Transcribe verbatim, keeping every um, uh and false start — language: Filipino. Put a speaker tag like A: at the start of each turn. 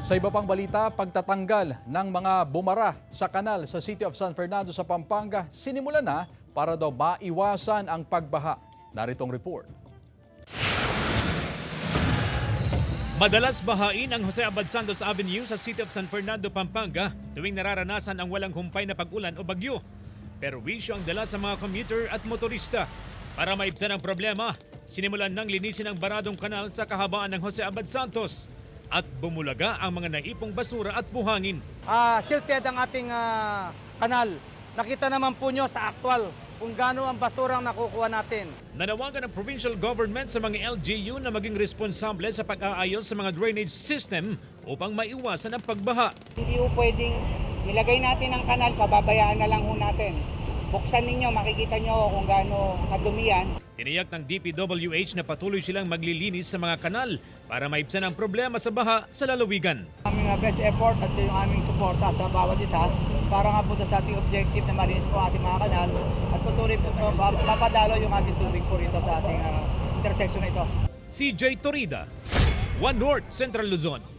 A: Sa iba pang balita, pagtatanggal ng mga bumara sa kanal sa City of San Fernando sa Pampanga, sinimulan na para daw maiwasan ang pagbaha. Naritong report.
B: Madalas bahain ang Jose Abad Santos Avenue sa City of San Fernando, Pampanga tuwing nararanasan ang walang humpay na pag-ulan o bagyo. Pero wisyo ang dala sa mga commuter at motorista. Para maibsan ang problema, sinimulan ng linisin ang baradong kanal sa kahabaan ng Jose Abad Santos at bumulaga ang mga naipong basura at buhangin.
C: Uh, silted ang ating uh, kanal. Nakita naman po nyo sa actual kung gaano ang basurang nakukuha natin.
B: Nanawagan ng provincial government sa mga L G U na maging responsable sa pag-aayos sa mga drainage system upang maiwasan ang pagbaha.
D: Hindi po pwedeng ilagay natin ang kanal, pababayaan na lang ho natin. Buksan ninyo, makikita nyo kung gaano kadumi yan.
B: Tiniyak ng D P W H na patuloy silang maglilinis sa mga kanal para maibsan ang problema sa baha sa lalawigan.
D: Aming best effort at yung aming suporta sa bawat isa para nga po sa ating objective na malinis po ang ating mga kanal at patuloy po mapadalo yung ating tubig po rito sa ating uh, intersection na ito.
B: C J Torida, One North Central Luzon.